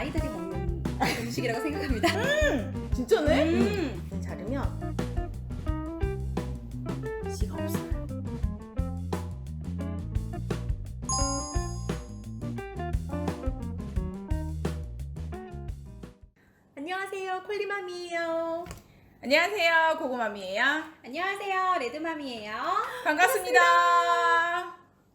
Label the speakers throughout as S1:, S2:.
S1: 아이들이 먹는 음식이라고 생각합니다.
S2: 진짜네?
S3: 자르면 씨가 없어요. 안녕하세요, 콜리맘이에요.
S2: 안녕하세요, 고구마미예요.
S1: 안녕하세요, 레드맘이에요.
S2: 반갑습니다.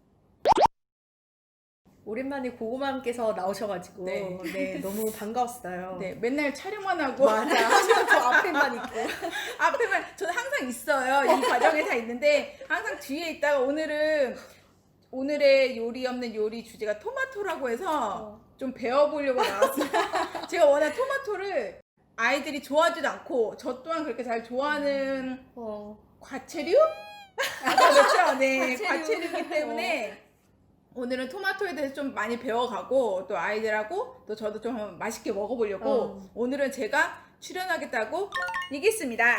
S3: 오랜만에 고구마님께서 나오셔가지고
S2: 네.
S3: 너무 반가웠어요.
S2: 네, 맨날 촬영만 하고
S3: 맞아. 항상 저 앞에만 있고.
S2: 앞에만 저는 항상 있어요. 이 과정에 다 있는데 항상 뒤에 있다가 오늘의 요리 없는 요리 주제가 토마토라고 해서 좀 배워보려고 나왔어요. 제가 워낙 토마토를 아이들이 좋아하지도 않고 저 또한 그렇게 잘 좋아하는 과체류? 그렇죠. 네, 과체류이기 때문에 오늘은 토마토에 대해서 좀 많이 배워가고 또 아이들하고 또 저도 좀 한번 맛있게 먹어보려고 오늘은 제가 출연하겠다고 얘기했습니다.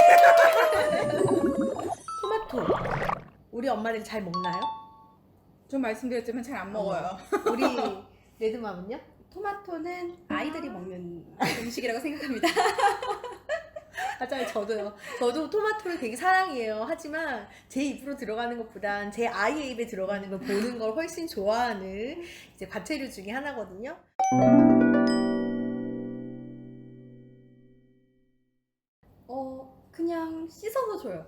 S3: 토마토. 우리 엄마들 잘 먹나요?
S2: 좀 말씀드렸지만 잘 안 먹어요.
S3: 우리 레드맘은요?
S1: 토마토는 아이들이 먹는 음식이라고 생각합니다.
S3: 맞아요, 저도요. 저도 토마토를 되게 사랑해요. 하지만 제 입으로 들어가는 것보단 제 아이의 입에 들어가는 걸 보는 걸 훨씬 좋아하는 이제 과체류 중에 하나거든요.
S1: 그냥 씻어서 줘요.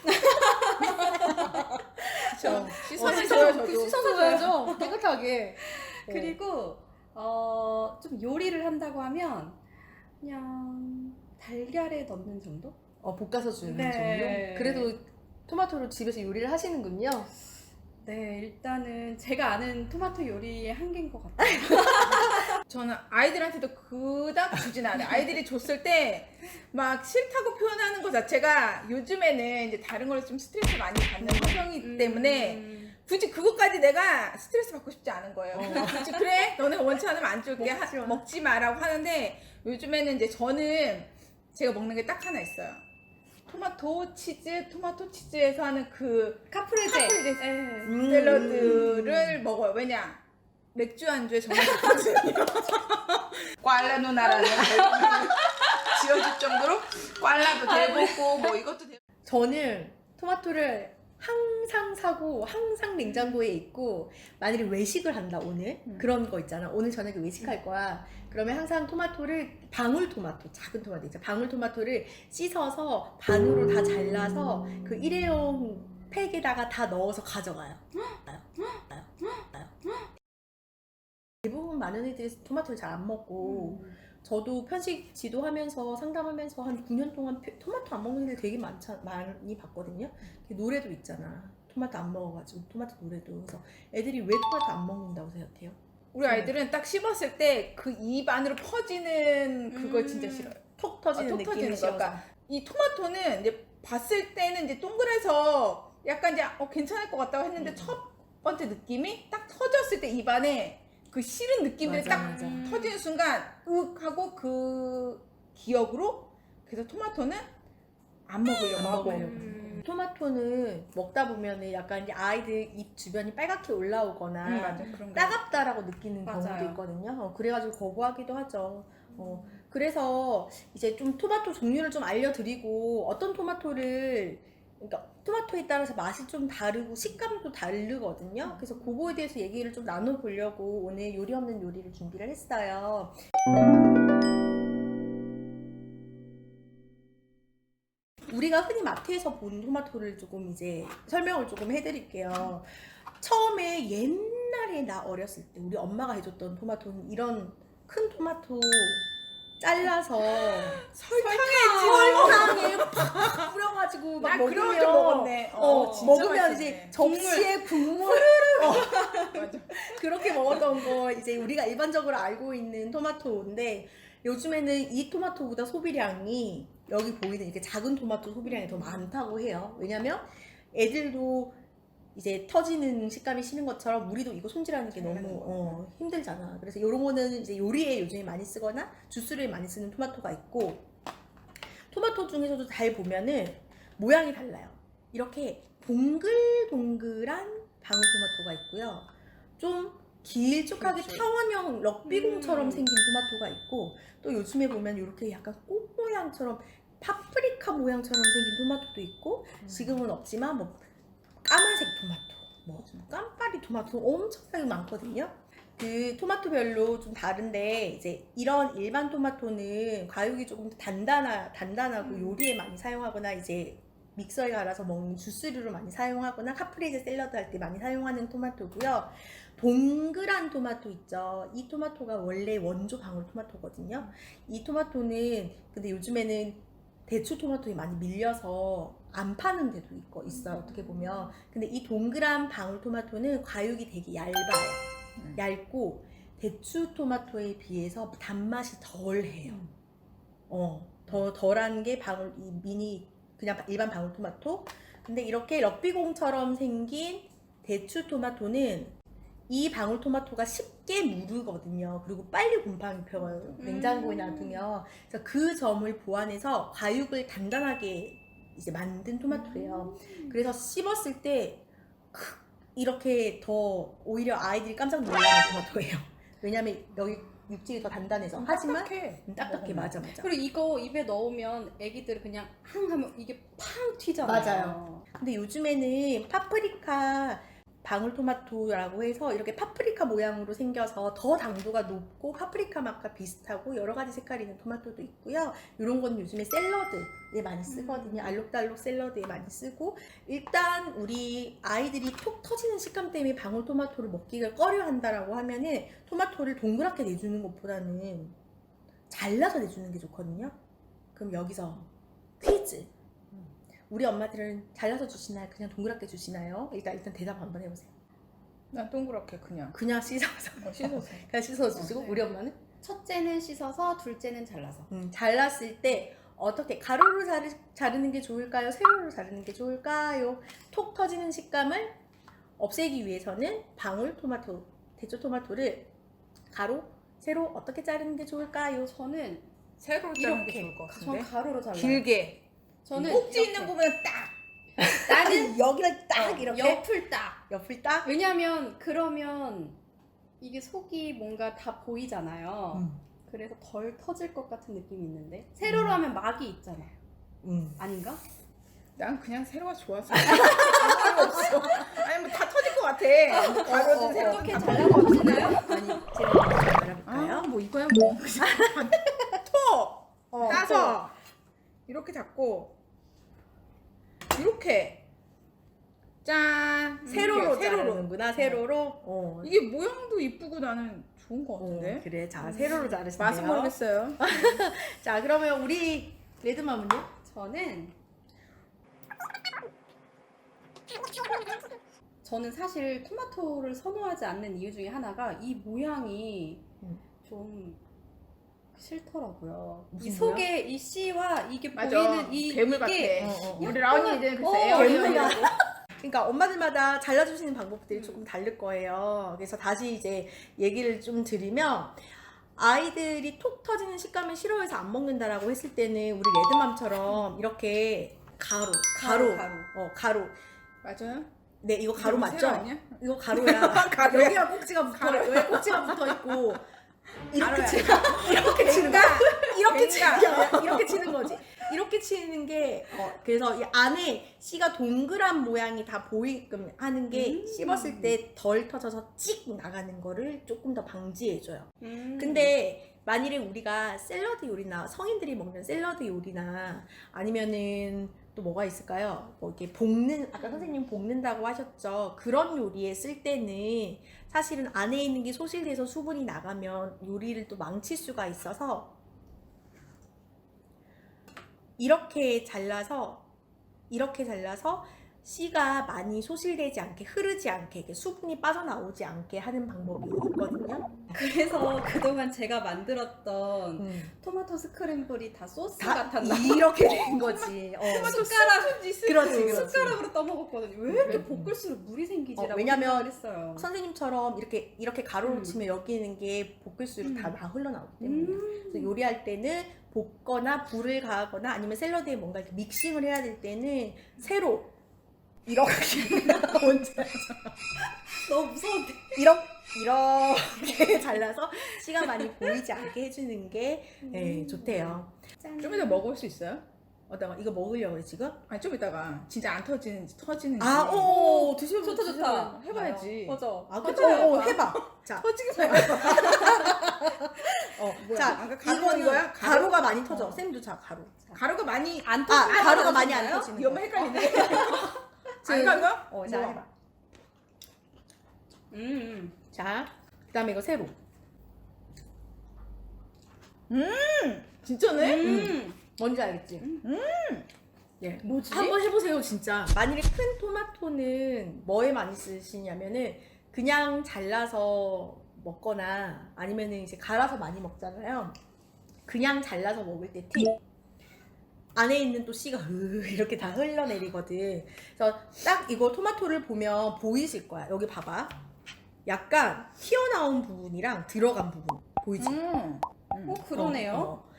S2: 그렇죠. 씻어서
S3: 씻어서
S2: 줘요, 저도.
S3: 씻어서 줘야죠. 깨끗하게.
S1: 그리고 좀 요리를 한다고 하면 그냥 달걀에 넣는 정도?
S3: 볶아서 주는
S1: 네.
S3: 정도? 그래도 토마토로 집에서 요리를 하시는군요.
S1: 네, 일단은 제가 아는 토마토 요리의 한계인 것 같아요.
S2: 저는 아이들한테도 그닥 주진 않아요. 아이들이 줬을 때 막 싫다고 표현하는 것 자체가 요즘에는 이제 다른 걸로 좀 스트레스 많이 받는 환경이기 때문에 굳이 그것까지 내가 스트레스 받고 싶지 않은 거예요. 굳이 그래 너네 원치 않으면 안 줄게 먹지 마라고 하는데 요즘에는 이제 저는 제가 먹는 게 딱 하나 있어요. 토마토 치즈에서 하는 그
S1: 카프레제.
S2: 샐러드를 먹어요. 왜냐? 맥주 안주에 정말 좋거든요. 꽐라 누나라는 지어줄 정도로 꽐라도 대먹고 뭐 이것도 대.
S3: 저는 토마토를 항상 사고 항상 냉장고에 있고 만일에 외식을 한다 오늘 그런 거 있잖아. 오늘 저녁에 외식할 거야. 그러면 항상 토마토를 방울토마토 작은 토마토 있잖아. 방울토마토를 씻어서 반으로 다 잘라서 그 일회용 팩에다가 다 넣어서 가져가요. 대부분 많은 애들이 토마토를 잘 안 먹고 저도 편식 지도하면서 상담하면서 한 9년 동안 토마토 안 먹는 애들 되게 많이 봤거든요. 노래도 있잖아. 토마토 안 먹어가지고 토마토 노래도. 그래서 애들이 왜 토마토 안 먹는다고 생각해요?
S2: 우리 아이들은 딱 씹었을 때 그 입 안으로 퍼지는 그걸 진짜 싫어요.
S3: 톡 터지는
S2: 톡
S3: 느낌이
S2: 터지는 거.
S3: 싫어서.
S2: 그러니까 이 토마토는 이제 봤을 때는 이제 동그래서 약간 이제 괜찮을 것 같다고 했는데 첫 번째 느낌이 딱 터졌을 때 입 안에 그 싫은 느낌들이
S3: 맞아,
S2: 딱
S3: 맞아.
S2: 터지는 순간 윽 하고 그 기억으로 그래서 토마토는 안 먹으려고 하고.
S3: 토마토는 먹다 보면은 약간 이제 아이들 입 주변이 빨갛게 올라오거나
S2: 맞아 그런 거.
S3: 따갑다라고 느끼는
S1: 맞아요.
S3: 경우도 있거든요. 그래가지고 거부하기도 하죠. 그래서 이제 좀 토마토 종류를 좀 알려드리고 어떤 토마토를 그러니까 토마토에 따라서 맛이 좀 다르고 식감도 다르거든요. 그래서 그거에 대해서 얘기를 좀 나눠보려고 오늘 요리 없는 요리를 준비를 했어요. 우리가 흔히 마트에서 본 토마토를 조금 이제 설명을 조금 해드릴게요. 처음에 옛날에 나 어렸을 때 우리 엄마가 해줬던 토마토는 이런 큰 토마토 잘라서 설탕에 팍 뿌려가지고 막
S2: 나 그런 거
S3: 먹으면
S2: 좀 먹었네. 진짜
S3: 먹으면
S2: 맛있네.
S3: 이제 접시에 국물
S2: 맞아.
S3: 그렇게 먹었던 거 이제 우리가 일반적으로 알고 있는 토마토인데 요즘에는 이 토마토보다 소비량이 여기 보이는 이렇게 작은 토마토 소비량이 더 많다고 해요. 왜냐면 애들도 이제 터지는 식감이 싫은 것처럼 우리도 이거 손질하는 게 너무 힘들잖아. 그래서 이런 거는 이제 요리에 요즘에 많이 쓰거나 주스를 많이 쓰는 토마토가 있고 토마토 중에서도 잘 보면은 모양이 달라요. 이렇게 동글동글한 방울토마토가 있고요. 좀 길쭉하게
S2: 그렇죠.
S3: 타원형 럭비공처럼 생긴 토마토가 있고 또 요즘에 보면 이렇게 약간 꽃 모양처럼 파프리카 모양처럼 생긴 토마토도 있고 지금은 없지만 뭐 까만색 토마토, 뭐 깜파리 토마토 엄청나게 많거든요. 그 토마토별로 좀 다른데 이제 이런 일반 토마토는 과육이 조금 더 단단하고 요리에 많이 사용하거나 이제 믹서에 갈아서 먹는 주스류로 많이 사용하거나 카프레제 샐러드 할 때 많이 사용하는 토마토고요. 동그란 토마토 있죠. 이 토마토가 원래 원조 방울토마토거든요. 이 토마토는 근데 요즘에는 대추 토마토에 많이 밀려서 안 파는 데도 있어요. 어떻게 보면. 근데 이 동그란 방울토마토는 과육이 되게 얇아요. 얇고 대추 토마토에 비해서 단맛이 덜해요. 더 덜한 게 이 미니 그냥 일반 방울토마토. 근데 이렇게 럭비공처럼 생긴 대추 토마토는 이 방울토마토가 쉽게 무르거든요. 그리고 빨리 곰팡이 펴요. 냉장고에 놔두면. 그래서 그 점을 보완해서 과육을 단단하게 이제 만든 토마토예요. 그래서 씹었을 때 이렇게 더 오히려 아이들이 깜짝 놀라는 토마토예요. 왜냐면 여기 육질이 더 단단해서. 하지만 딱딱해. 맞아.
S1: 그리고 이거 입에 넣으면 애기들 그냥 항 하면 이게 팡 튀잖아요.
S3: 맞아요. 근데 요즘에는 파프리카 방울토마토라고 해서 이렇게 파프리카 모양으로 생겨서 더 당도가 높고 파프리카 맛과 비슷하고 여러 가지 색깔이 있는 토마토도 있고요. 이런 건 요즘에 샐러드에 많이 쓰거든요. 알록달록 샐러드에 많이 쓰고 일단 우리 아이들이 톡 터지는 식감 때문에 방울토마토를 먹기가 꺼려 한다라고 하면은 토마토를 동그랗게 내주는 것보다는 잘라서 내주는 게 좋거든요. 그럼 여기서 퀴즈. 우리 엄마들은 잘라서 주시나요? 그냥 동그랗게 주시나요? 일단 대답 한번 해보세요.
S2: 난 동그랗게 그냥
S3: 씻어서.
S2: 씻어서.
S3: 그냥 씻어서 주시고
S1: 네.
S3: 우리 엄마는?
S1: 첫째는 씻어서, 둘째는 잘라서.
S3: 잘랐을 때 어떻게 가로로 자르는 게 좋을까요? 세로로 자르는 게 좋을까요? 톡 터지는 식감을 없애기 위해서는 방울토마토, 대추 토마토를 가로, 세로 어떻게 자르는 게 좋을까요?
S1: 저는
S2: 세로로 자르는 게
S1: 이렇게.
S2: 좋을 것
S1: 전
S2: 같은데.
S1: 가로로 잘라요.
S2: 길게.
S1: 저는
S2: 꼭지
S1: 이렇게.
S2: 있는 부분은 딱.
S3: 나는 여기를 딱 이렇게
S1: 옆을 딱.
S3: 옆을 딱
S1: 왜냐면 그러면 이게 속이 뭔가 다 보이잖아요. 그래서 덜 터질 것 같은 느낌이 있는데 세로로 하면 막이 있잖아요. 아닌가?
S2: 난 그냥 세로가 좋아서. 없어. 아니 뭐 다 터질 것 같아. 가로든 세로든
S1: 어떻게
S2: 다
S1: 잘라보시나요?
S3: 아니 제가 말해볼까요?
S2: 뭐 이거야 뭐. 톡 따서 이렇게 잡고 이렇게 짠
S3: 세로로
S2: 이렇게,
S3: 자르는구나. 세로로.
S2: 이게 모양도 이쁘고 나는 좋은 것 같은데.
S3: 그래. 자, 세로로 자르시네요.
S2: 맛은 모르겠어요.
S3: 자, 그러면 우리 레드맘은요?
S1: 저는 사실 토마토를 선호하지 않는 이유 중에 하나가 이 모양이 좀 싫더라고요. 이
S3: 무슨
S1: 속에 이 씨와 이게
S2: 맞아.
S1: 보이는 이
S2: 괴물 같아.
S1: 이게
S2: 우리 라온이들 글쎄
S3: 괴물이야.
S2: 에어리얼이라고.
S3: 그러니까 엄마들마다 잘라주시는 방법들이 조금 다를 거예요. 그래서 다시 이제 얘기를 좀 드리면 아이들이 톡 터지는 식감을 싫어해서 안 먹는다라고 했을 때는 우리 레드맘처럼 이렇게 가로. 가로.
S2: 맞아요?
S3: 네, 이거 가로
S2: 이거
S3: 맞죠?
S2: 세로 아니야?
S3: 이거 가로야.
S2: 가로야.
S3: 여기가 꼭지가 붙어, 여기 꼭지가 붙어 있고 이렇게
S2: 가로야.
S3: 이렇게 치는 거. 이렇게 치는
S2: 그러니까.
S3: 게 이렇게 치는 거지. 이렇게 치는 게 그래서 이 안에 씨가 동그란 모양이 다 보이게끔 하는 게 씹었을 때 덜 터져서 찍 나가는 거를 조금 더 방지해줘요. 근데 만일에 우리가 샐러드 요리나 성인들이 먹는 샐러드 요리나 아니면은 또 뭐가 있을까요? 뭐 이렇게 볶는 아까 선생님 볶는다고 하셨죠. 그런 요리에 쓸 때는 사실은 안에 있는 게 소실돼서 수분이 나가면 요리를 또 망칠 수가 있어서 이렇게 잘라서 씨가 많이 소실되지 않게 흐르지 않게 이렇게 수분이 빠져나오지 않게 하는 방법이 있거든요.
S1: 그래서 그동안 제가 만들었던 토마토 스크램블이 다 소스
S3: 다
S1: 같았나?
S3: 이렇게 된 거지.
S1: 숟가락
S3: 그렇지.
S1: 숟가락으로 떠먹었거든요. 왜 이렇게 볶을수록 물이 생기지라고
S3: 왜냐면
S1: 생각을 했어요.
S3: 선생님처럼 이렇게 가로로 치면 여기 있는 게 볶을수록 다 흘러나오기 때문에 그래서 요리할 때는 볶거나 불을 가하거나 아니면 샐러드에 뭔가 이렇게 믹싱을 해야 될 때는 세로 이렇게 뭔지 알죠?
S1: 너무 무서운데.
S3: 이렇게 잘라서 씨가 많이 보이지 않게 해주는 게 좋대요.
S1: 짠.
S2: 좀 이따 먹을 수 있어요?
S3: 어떤가? 이거 먹으려고 해 지금?
S2: 아니 좀 이따가 진짜 안 터지는지 터지는지.
S3: 오 드시면
S1: 좋다 좋다.
S2: 해봐야지.
S1: 맞아.
S3: 아 그쵸?
S1: 맞아요.
S3: 해봐. 자,
S2: 터지기만 해봐.
S3: 어,
S2: 뭐야?
S3: 자
S2: 아까 가루
S3: 이거는
S2: 이거야?
S3: 가루가 많이 터져. 쌤도 자 가루.
S2: 가루가 많이
S1: 안 터지나요?
S3: 가루가 많이 안 터지는
S2: 이거
S3: 거.
S2: 헷갈리네. 안 가가?
S3: 자
S2: 뭐.
S3: 해봐.
S1: 음.
S3: 자, 그다음에 이거 세로.
S2: 진짜네?
S3: 뭔지 알겠지? 예.
S2: 뭐지?
S3: 한번 해보세요 진짜. 만일에 큰 토마토는 뭐에 많이 쓰시냐면은 그냥 잘라서 먹거나 아니면은 이제 갈아서 많이 먹잖아요. 그냥 잘라서 먹을 때 팁. 안에 있는 또 씨가 이렇게 다 흘러내리거든. 그래서 딱 이거 토마토를 보면 보이실 거야. 여기 봐봐. 약간 튀어나온 부분이랑 들어간 부분 보이지?
S1: 어 그러네요.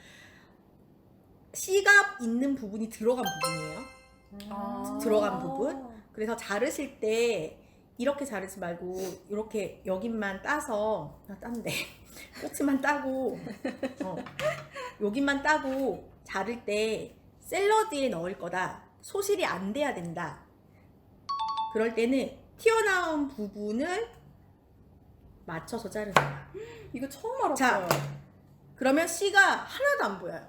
S3: 씨가 있는 부분이 들어간 부분이에요.
S1: 아.
S3: 들어간 부분. 그래서 자르실 때 이렇게 자르지 말고 이렇게 여기만 따서 딴데 끝만 따고 여기만 따고 자를 때 샐러드에 넣을 거다. 소실이 안 돼야 된다. 그럴 때는 튀어나온 부분을 맞춰서 자르는 거야.
S1: 이거 처음 알았어요.
S3: 자, 그러면 씨가 하나도 안 보여요.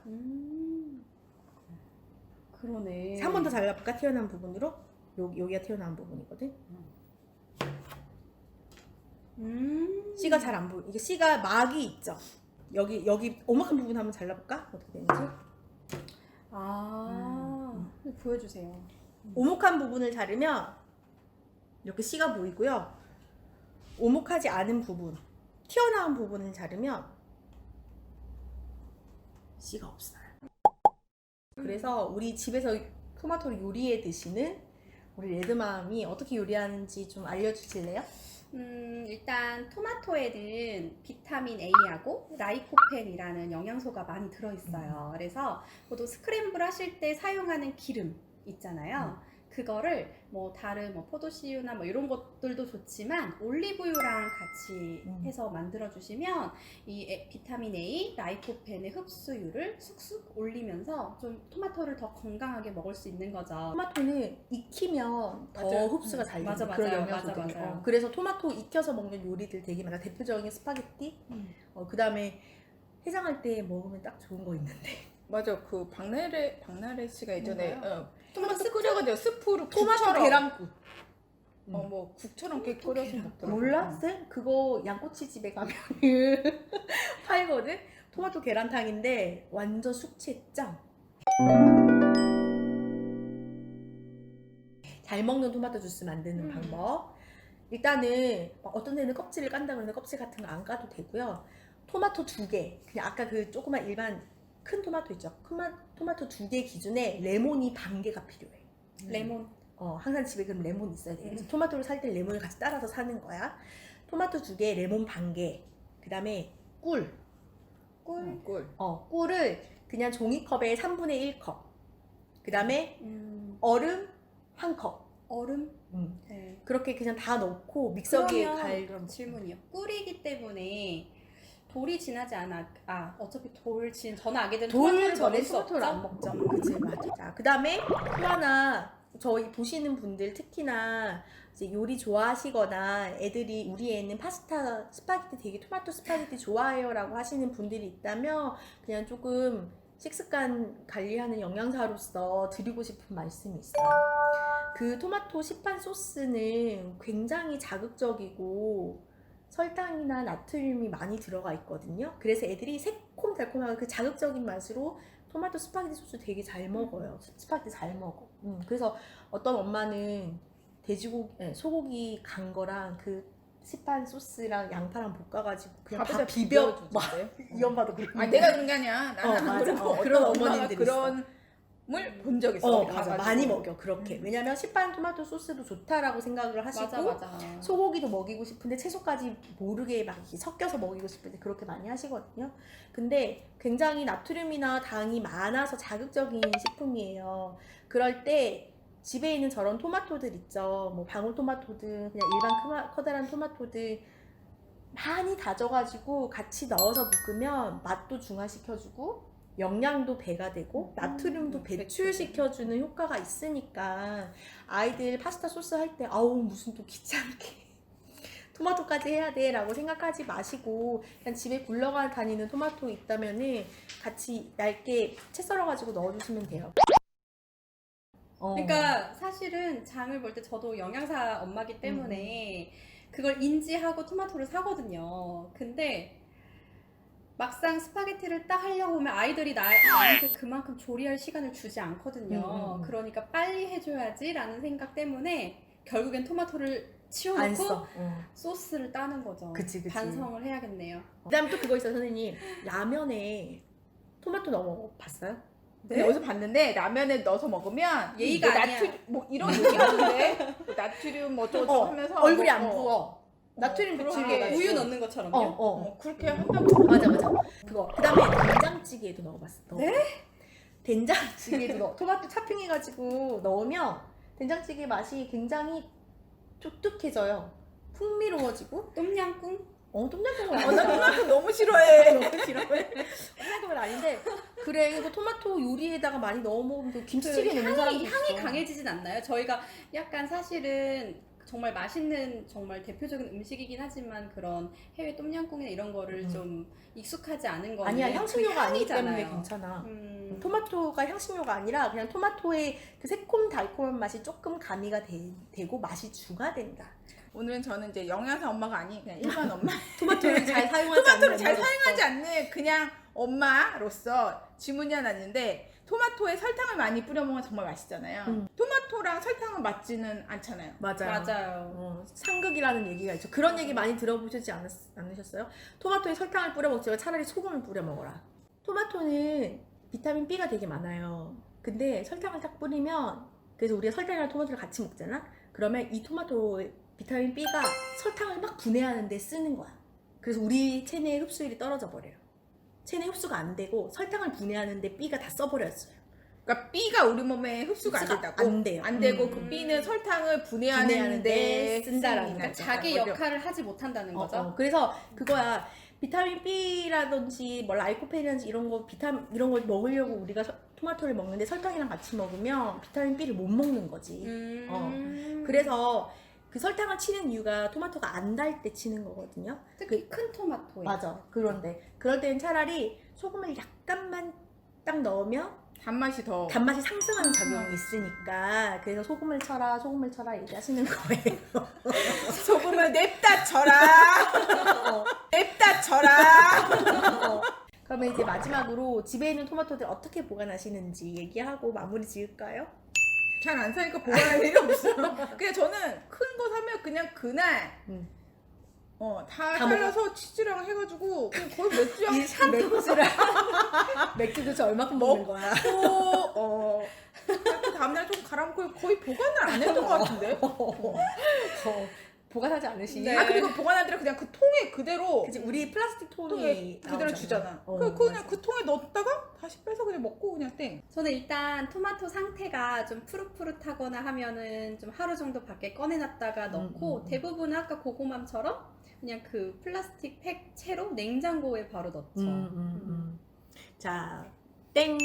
S1: 그러네.
S3: 한 번 더 잘라볼까? 튀어나온 부분으로. 여기가 튀어나온 부분이거든. 씨가 잘 안 보여. 이게 씨가 막이 있죠. 여기 오목한 부분 한번 잘라볼까? 어떻게 되는지.
S1: 보여주세요.
S3: 오목한 부분을 자르면 이렇게 씨가 보이고요. 오목하지 않은 부분, 튀어나온 부분을 자르면 씨가 없어요. 그래서 우리 집에서 토마토를 요리해 드시는 우리 레드맘이 어떻게 요리하는지 좀 알려주실래요?
S1: 일단 토마토에는 비타민 A하고 라이코펜이라는 영양소가 많이 들어있어요. 그래서 보통 스크램블 하실 때 사용하는 기름 있잖아요. 그거를 뭐 다른 뭐 포도씨유나 뭐 이런 것들도 좋지만 올리브유랑 같이 해서 만들어 주시면 이 비타민 A, 라이코펜의 흡수율을 쑥쑥 올리면서 좀 토마토를 더 건강하게 먹을 수 있는 거죠.
S3: 토마토는 익히면 더
S2: 맞아요.
S3: 흡수가 잘
S1: 맞아,
S3: 되는 그런
S1: 맞아요.
S3: 영양소들이.
S1: 맞아, 맞아요.
S3: 그래서 토마토 익혀서 먹는 요리들 되게 많아. 대표적인 스파게티. 그 다음에 해장할 때 먹으면 딱 좋은 거 있는데.
S2: 맞아. 그 박나래 씨가 예전에
S1: 뭔가요?
S2: 토마토 끓여가지고 스프로
S3: 토마토
S2: 국처럼
S3: 계란국.
S2: 뭐 국처럼 이렇게 끓여서 먹더라고.
S3: 몰라? 쌤? 그거 양꼬치 집에 가면 팔거든? 토마토 계란탕인데 완전 숙취 짱. 잘 먹는 토마토 주스 만드는 방법. 일단은 어떤 데는 껍질을 깐다 그러는데 껍질 같은 거 안 까도 되고요. 토마토 2개, 그냥 아까 그 조그만 일반 큰 토마토 있죠? 토마토 2개 기준에 레몬이 반 개가 필요해.
S1: 레몬.
S3: 항상 집에 그럼 레몬 있어야 돼. 그래서 토마토를 살 때 레몬을 같이 따라서 사는 거야. 토마토 2개, 레몬 반 개. 그 다음에 꿀.
S2: 꿀.
S3: 꿀을 그냥 종이컵에 3분의 1컵. 그 다음에 얼음 1컵.
S1: 얼음? 네.
S3: 그렇게 그냥 다 넣고 믹서기에
S1: 그러면
S3: 갈면
S1: 질문이요. 꿀이기 때문에 돌이 지나지 않아. 어차피 저는 아게 되면
S3: 돌
S1: 토마토를
S3: 전에
S1: 먹을 수
S3: 토마토를
S1: 없죠?
S3: 안 먹죠. 그치, 맞아. 자, 그 다음에 또 하나, 저희 보시는 분들 특히나 이제 요리 좋아하시거나 애들이 우리 애는 파스타, 스파게티 되게 토마토 스파게티 좋아해요 라고 하시는 분들이 있다면 그냥 조금 식습관 관리하는 영양사로서 드리고 싶은 말씀이 있어요. 그 토마토 시판 소스는 굉장히 자극적이고 설탕이나 나트륨이 많이 들어가 있거든요. 그래서 애들이 새콤달콤하고 그 자극적인 맛으로 토마토 스파게티 소스 되게 잘 먹어요. 스파게티 잘 먹어. 그래서 어떤 엄마는 소고기 간 거랑 그 시판 소스랑 양파랑 볶아가지고 그냥 다 비벼. 이 엄마도 그래.
S2: 내가 그런 게 아니야. 나는 안 그러고
S3: 그런
S2: 어떤 엄마가
S3: 어머님들이
S2: 그런 물 본 적 있어.
S3: 맞아. 많이 먹여 그렇게. 왜냐면 시판 토마토 소스도 좋다라고 생각을 하시고
S1: 맞아.
S3: 소고기도 먹이고 싶은데 채소까지 모르게 막 이렇게 섞여서 먹이고 싶은데 그렇게 많이 하시거든요. 근데 굉장히 나트륨이나 당이 많아서 자극적인 식품이에요. 그럴 때 집에 있는 저런 토마토들 있죠. 뭐 방울토마토든 그냥 일반 커다란 토마토들 많이 다져가지고 같이 넣어서 볶으면 맛도 중화시켜주고 영양도 배가 되고 나트륨도 배출시켜주는 효과가 있으니까 아이들 파스타 소스 할 때 아우 무슨 또 귀찮게 토마토까지 해야 돼 라고 생각하지 마시고 그냥 집에 굴러가 다니는 토마토 있다면은 같이 얇게 채 썰어가지고 넣어주시면 돼요.
S1: 그러니까 사실은 장을 볼 때 저도 영양사 엄마기 때문에 그걸 인지하고 토마토를 사거든요. 근데 막상 스파게티를 딱 하려고 하면 아이들이 나한테 그만큼 조리할 시간을 주지 않거든요. 그러니까 빨리 해줘야지라는 생각 때문에 결국엔 토마토를
S3: 안
S1: 치워놓고
S3: 써.
S1: 소스를 따는 거죠.
S3: 그치.
S1: 반성을 해야겠네요.
S3: 그다음 또 그거 있어요, 선생님. 라면에 토마토 넣어 봤어요?
S2: 네? 어디서 봤는데 라면에 넣어서 먹으면
S1: 예의가
S2: 뭐
S1: 아니야.
S2: 뭐 이런 얘기 하는데 뭐 나트륨 뭐 어쩌고 하면서
S3: 얼굴이
S2: 뭐,
S3: 안 부어. 나트륨
S2: 그러게.
S3: 배출해가지고.
S1: 우유 넣는 것처럼요?
S2: 그렇게 한다고.
S3: 맞아. 그거. 그다음에 된장찌개에도 넣어봤어.
S1: 네?
S3: 된장찌개도 넣어. 토마토 차핑해가지고 넣으면 된장찌개 맛이 굉장히 촉촉해져요. 풍미로워지고.
S1: 똠양꿍?
S3: 똠양꿍은
S2: 나
S3: 아니야.
S2: 토마토 너무 싫어해.
S3: 너무 싫어해. 똠양꿍은 아닌데 그래 이거 토마토 요리에다가 많이 넣어 먹으면 또 김치찌개 넣는 사람도 있어.
S1: 향이 강해지진 않나요? 저희가 약간 사실은 정말 맛있는 정말 대표적인 음식이긴 하지만 그런 해외 똠양꿍이나 이런 거를 좀 익숙하지 않은 거는
S3: 아니야 향신료가 아니기
S1: 향이잖아요.
S3: 때문에 괜찮아. 토마토가 향신료가 아니라 그냥 토마토의 그 새콤달콤한 맛이 조금 가미가 되고 맛이 중화된다.
S2: 오늘은 저는 이제 영양사 엄마가 아닌 그냥 일반 엄마.
S3: 토마토를 잘 사용하지
S2: 토마토를 잘
S3: 엄마로서.
S2: 사용하지 않는 그냥 엄마로서 질문이 하나 있는데 토마토에 설탕을 많이 뿌려 먹으면 정말 맛있잖아요. 토마토랑 설탕은 맞지는 않잖아요.
S1: 맞아요.
S3: 상극이라는 얘기가 있죠. 그런 얘기 많이 들어보시지 않으셨어요? 토마토에 설탕을 뿌려 먹지 말고 차라리 소금을 뿌려 먹어라. 토마토는 비타민 B가 되게 많아요. 근데 설탕을 딱 뿌리면 그래서 우리가 설탕이랑 토마토를 같이 먹잖아? 그러면 이 토마토 비타민 B가 설탕을 막 분해하는 데 쓰는 거야. 그래서 우리 체내의 흡수율이 떨어져 버려요. 체내 흡수가 안 되고 설탕을 분해하는데 B가 다 써버렸어요.
S2: 그러니까 B가 우리 몸에 흡수가 안 된다고?
S3: 안 돼요.
S2: 안 되고 그 B는 설탕을 분해하는데
S3: 쓴다라는
S2: 쓰니까.
S1: 그러니까 자기 역할을 하지 못한다는 거죠.
S3: 그래서 그거야. 비타민 B라든지 뭐 라이코펜이라든지 이런 거 이런 걸 먹으려고 우리가 토마토를 먹는데 설탕이랑 같이 먹으면 비타민 B를 못 먹는 거지. 그래서 그 설탕을 치는 이유가 토마토가 안 달 때 치는 거거든요.
S1: 특히 큰 토마토에.
S3: 맞아. 그럴 때는 차라리 소금을 약간만 딱 넣으면
S2: 단맛이 더
S3: 단맛이 상승하는 작용이 있으니까 그래서 소금을 쳐라 얘기하시는 거예요.
S2: 소금을 냅다 쳐라. 냅다 쳐라.
S3: 그러면 이제 마지막으로 집에 있는 토마토들 어떻게 보관하시는지 얘기하고 마무리 지을까요?
S2: 잘 안 사니까 보관할 일이 없어. 그냥 저는 큰 거 사면 그냥 그날 다 잘라서 치즈랑 해가지고 그냥 거의 맥주랑
S3: 맥주 도대체 얼마큼 먹는 거야?
S2: 그 다음날 좀 갈아먹고 거의 보관을 안 했던 것 같은데.
S3: 보관하지 않으시니?
S1: 네.
S2: 그리고 보관하더라 그냥 그 통에 그대로
S3: 그치, 우리 플라스틱 통에
S2: 통에 그대로
S3: 나오잖아.
S2: 주잖아. 그냥
S3: 맞아.
S2: 그 통에 넣었다가 다시 빼서 그냥 먹고 그냥 땡.
S1: 저는 일단 토마토 상태가 좀 푸릇푸릇하거나 하면은 좀 하루 정도 밖에 꺼내놨다가 넣고 대부분은 아까 고구마처럼 그냥 그 플라스틱 팩 채로 냉장고에 바로 넣죠.
S3: 자, 땡.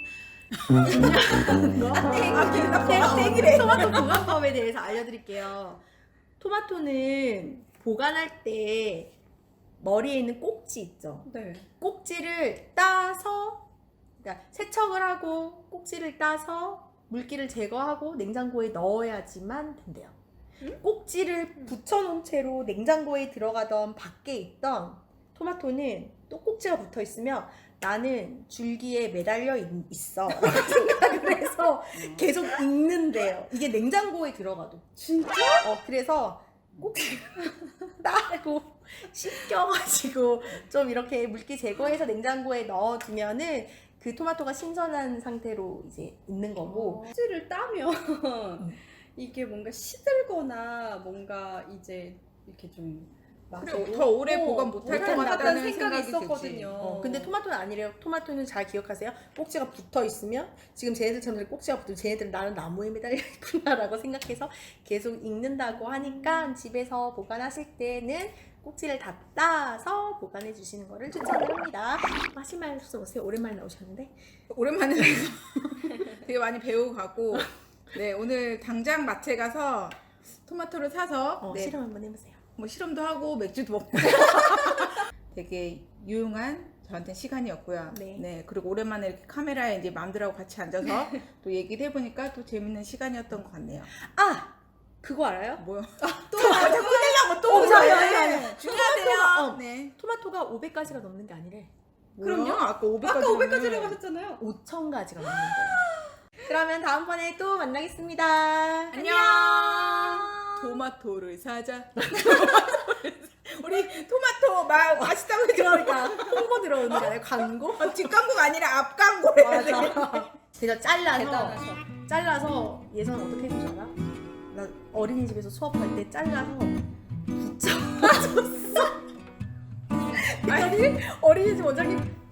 S2: 땡이래.
S3: 토마토 보관법에 대해서 알려드릴게요. 토마토는 보관할 때 머리에 있는 꼭지 있죠.
S1: 네.
S3: 꼭지를 따서, 그러니까 세척을 하고 꼭지를 따서 물기를 제거하고 냉장고에 넣어야지만 된대요. 꼭지를 붙여놓은 채로 냉장고에 들어가던 밖에 있던 토마토는 또 꼭지가 붙어 있으면 나는 줄기에 매달려 있어 라고 생각을 해서 계속 익는데요. 이게 냉장고에 들어가도.
S1: 진짜?
S3: 그래서 꼭지 따고 씻겨가지고 좀 이렇게 물기 제거해서 냉장고에 넣어두면은 그 토마토가 신선한 상태로 이제 있는 거고.
S1: 꼭지를 따면 이게 뭔가 시들거나 뭔가 이제 이렇게 좀
S2: 그래, 더 오래 보관 못할 것
S1: 못할 것
S2: 같다는
S1: 생각이
S2: 생각이
S1: 있었거든요.
S2: 들지.
S3: 근데 토마토는 아니래요. 토마토는 잘 기억하세요. 꼭지가 붙어 있으면 지금 쟤네들처럼 꼭지가 붙으면 쟤네들은 나는 나무에 매달려 있구나라고 생각해서 계속 익는다고 하니까 집에서 보관하실 때는 꼭지를 다 따서 보관해 주시는 거를 추천을 합니다. 하실 말씀 없으세요? 오랜만에 나오셨는데.
S2: 오랜만에 되게 많이 배우고 가고 네 오늘 당장 마트에 가서 토마토를 사서 네,
S3: 실험 한번 해보세요.
S2: 뭐 실험도 하고 맥주도 먹고 되게 유용한 저한테 시간이었고요.
S3: 네.
S2: 그리고 오랜만에 이렇게 카메라에 이제 맘들하고 같이 앉아서 또 얘기를 해보니까 또 재밌는 시간이었던 것 같네요.
S3: 아! 그거 알아요?
S2: 뭐요?
S3: 또 꺼내려고 또
S2: 네, 중요하대요. 네.
S3: 토마토가 500가지가 넘는 게 아니래.
S1: 그럼요.
S2: 아까 500가지.
S1: 아까 500가지라고 하셨잖아요.
S3: 5,000가지가 넘는 거예요. 그러면 다음번에 또 만나겠습니다.
S2: 안녕. 토마토를 사자. 우리 토마토 맛있다고 해줘.
S3: 그러니까 홍보 들어오는 거 아니에요? 광고?
S2: 뒷광고가 아니라 앞광고래.
S3: 맞아. 제가
S1: 대단하셔.
S3: 잘라서 예선 어떻게 해준 줄 알아? 나 어린이집에서 수업할 때 잘라서 붙여줬어. 아니 어린이집 원장님